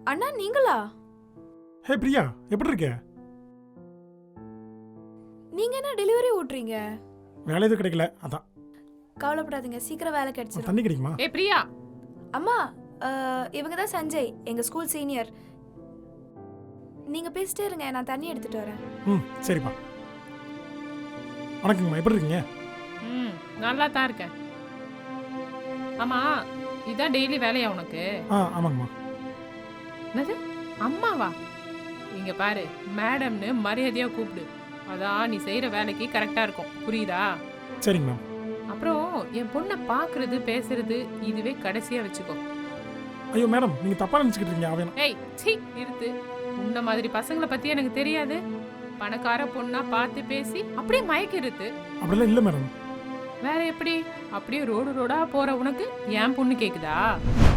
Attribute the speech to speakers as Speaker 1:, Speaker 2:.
Speaker 1: அண்ணா நீங்களா?
Speaker 2: ஹே பிரியா, எப்படி இருக்க?
Speaker 1: நீங்க என்ன டெலிவரி ஓட்டுறீங்க?
Speaker 2: வேலை எதுவும் கிடைக்கல, அதான்.
Speaker 1: கவலைப்படாதீங்க, சீக்கிரம் வேலை கிடைச்சிடும்.
Speaker 2: தண்ணி கிடைக்குமா?
Speaker 3: ஏ பிரியா.
Speaker 1: அம்மா, இவங்க தான் சஞ்சய், எங்க ஸ்கூல் சீனியர். நீங்க பேசிட்டே இருங்க, நான் தண்ணி எடுத்துட்டு வரேன்.
Speaker 2: சரிப்பா. வணக்கங்கம்மா, எப்படி இருக்கீங்க?
Speaker 3: நல்லா தான் இருக்கேன். ஆமா, இதான் டெய்லி வேலையா உனக்கு?
Speaker 2: ஆமாங்கம்மா.
Speaker 3: என்னது அம்மாவா? இங்க பாரு, மேடம்னு மரியாதையா கூப்பிடு. அதான் நீ செய்யற வேலைக்கு கரெக்டா இருக்கும், புரியுதா?
Speaker 2: சரிங்க மேம்.
Speaker 3: அப்புறம் என் பொண்ணை பாக்குறது பேசுறது இதுவே கடைசியா வச்சுக்கோ.
Speaker 2: ஐயோ மேடம், நீங்க தப்பா நினைச்சுக்கிட்டு இருக்கீங்க. அவன்
Speaker 3: ஏய் சீ நிறுத்து. உன்ன மாதிரி பசங்களை பத்தி எனக்கு தெரியாது. பணக்கார பொண்ணா பார்த்து பேசி அப்படியே மயக்கிருது.
Speaker 2: அப்படிலாம் இல்லை மேடம்.
Speaker 3: வேற எப்படி? அப்படியே ரோடு ரோடா போற உனக்கு என் பொண்ணு கேக்குதா?